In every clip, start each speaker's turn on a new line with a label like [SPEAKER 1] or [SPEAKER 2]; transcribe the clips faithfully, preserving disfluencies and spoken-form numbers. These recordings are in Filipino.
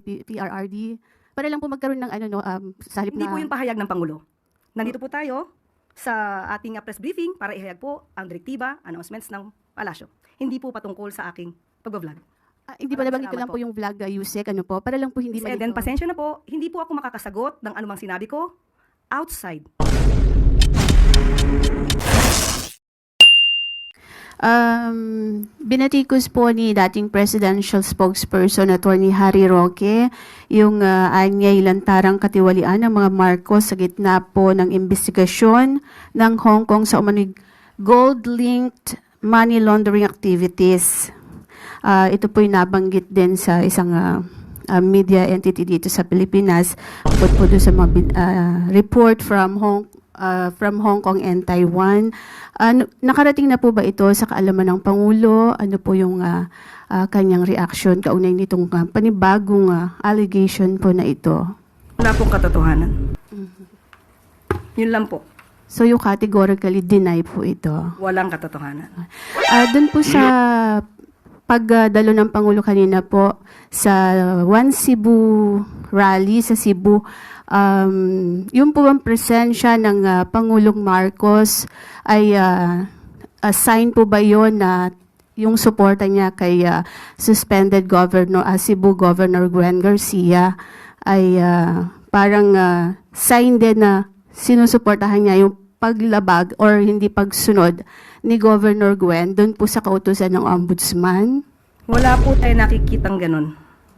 [SPEAKER 1] P R R D para lang po magkaroon ng ano no um, sa halip
[SPEAKER 2] Hindi
[SPEAKER 1] na
[SPEAKER 2] po yung pahayag ng Pangulo. Nandito po tayo sa ating uh, press briefing para ihayag po ang direktiba, announcements ng palasyo. Hindi po patungkol sa aking pag-vlog.
[SPEAKER 1] Ah, hindi pa nabanggit ko lang po
[SPEAKER 2] po.
[SPEAKER 1] yung vlog uh, Yusek, ano po, para lang po hindi
[SPEAKER 2] Miz Eden,
[SPEAKER 1] malito.
[SPEAKER 2] pasensya na po, hindi po ako makakasagot ng anumang sinabi ko outside.
[SPEAKER 1] Um, binatikos po ni dating presidential spokesperson Attorney Harry Roque yung uh, anyay lantarang katiwalian ng mga Marcos sa gitna po ng investigasyon ng Hong Kong sa umano'y gold-linked money laundering activities. Uh, ito po'y nabanggit din sa isang uh, uh, media entity dito sa Pilipinas bukod po doon sa mga uh, report from Hong uh, from Hong Kong and Taiwan. Uh, nakarating na po ba ito sa kaalaman ng Pangulo? Ano po yung uh, uh, kanyang reaction kaunay nitong uh, panibagong uh, allegation po na ito?
[SPEAKER 2] Wala pong katotohanan.
[SPEAKER 1] Mm-hmm.
[SPEAKER 2] Yun lang po.
[SPEAKER 1] So you categorically deny po ito?
[SPEAKER 2] Walang katotohanan.
[SPEAKER 1] Uh, doon po sa pagdalo ng Pangulo kanina po sa One Cebu rally sa Cebu, um, yung po ang presensya ng uh, Pangulong Marcos ay uh, a sign po ba yon na yung suporta niya kay uh, suspended Governor uh, Cebu Governor Gwen Garcia ay uh, parang uh, sign din na sinusuportahan niya yung paglabag or hindi pagsunod ni Governor Gwen doon po sa kautusan ng Ombudsman?
[SPEAKER 2] Wala po tayo nakikitang ganun.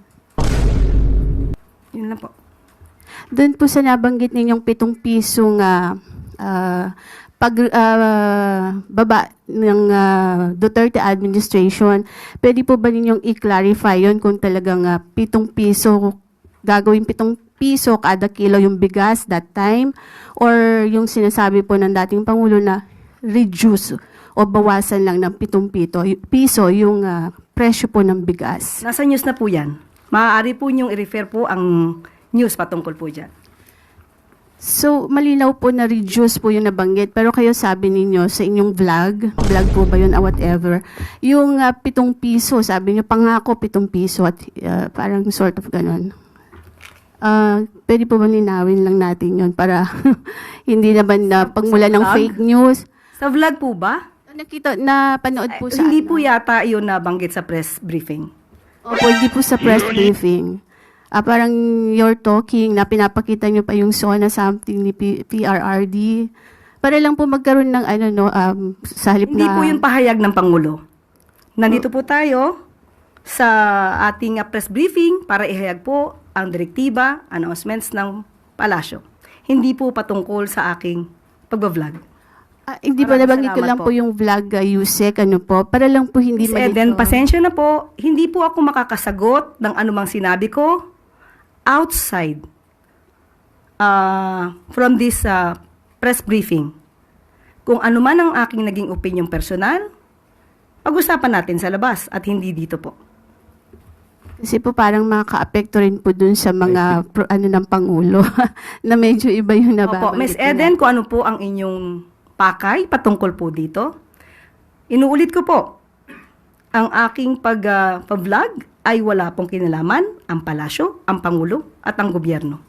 [SPEAKER 2] Yun lang po.
[SPEAKER 1] Doon po sa nabanggit ninyong pitong pisong uh, uh, pag uh, baba ng uh, Duterte administration, pwede po ba ninyong i-clarify yon kung talagang uh, pitong piso, gagawin pitong piso kada kilo yung bigas that time, or yung sinasabi po ng dating Pangulo na reduce o bawasan lang ng pitong pito, piso yung uh, presyo po ng bigas?
[SPEAKER 2] Nasa news na po yan. Maaari po niyong i-refer po ang news patungkol po dyan.
[SPEAKER 1] So, malinaw po na reduce po yung nabanggit, pero kayo sabi ninyo sa inyong vlog, vlog po ba yun or whatever, yung uh, pitong piso, sabi niyo pangako pitong piso at uh, parang sort of ganun. Uh, pwede po ba linawin lang natin yun para hindi naman na pagmula ng
[SPEAKER 2] vlog?
[SPEAKER 1] fake news?
[SPEAKER 2] Sa vlog po ba?
[SPEAKER 1] Nakita, na panood po
[SPEAKER 2] Ay,
[SPEAKER 1] sa
[SPEAKER 2] hindi
[SPEAKER 1] ano?
[SPEAKER 2] po yata yun nabanggit sa press briefing.
[SPEAKER 1] Opo, hindi po sa press briefing. Ah, parang you're talking na pinapakita nyo pa yung SONA something ni P- PRRD. Para lang po magkaroon ng ano no, um, sa halip
[SPEAKER 2] Hindi
[SPEAKER 1] na...
[SPEAKER 2] po yung pahayag ng Pangulo. Nandito po tayo sa ating uh, press briefing para ihayag po ang direktiba, announcements ng palasyo. Hindi po patungkol sa aking pag-vlog.
[SPEAKER 1] Ah, hindi pa
[SPEAKER 2] Maraming
[SPEAKER 1] nabanggit ko
[SPEAKER 2] salamat
[SPEAKER 1] lang po.
[SPEAKER 2] po
[SPEAKER 1] yung vlog, uh, Yusek, ano po, para lang po hindi
[SPEAKER 2] Miz Eden,
[SPEAKER 1] malito.
[SPEAKER 2] pasensya na po, hindi po ako makakasagot ng anumang sinabi ko outside uh, from this uh, press briefing. Kung ano man ang aking naging opinion personal, pag-usapan natin sa labas at hindi dito po.
[SPEAKER 1] Kasi po parang makaka-apekto rin po dun sa mga pro, ano ng Pangulo na medyo iba yung nababanggit.
[SPEAKER 2] Opo, Miz
[SPEAKER 1] nila.
[SPEAKER 2] Eden, kung ano po ang inyong pakay patungkol po dito, inuulit ko po, ang aking pag, uh, pag-vlog ay wala pong kinalaman ang palasyo, ang Pangulo at ang gobyerno.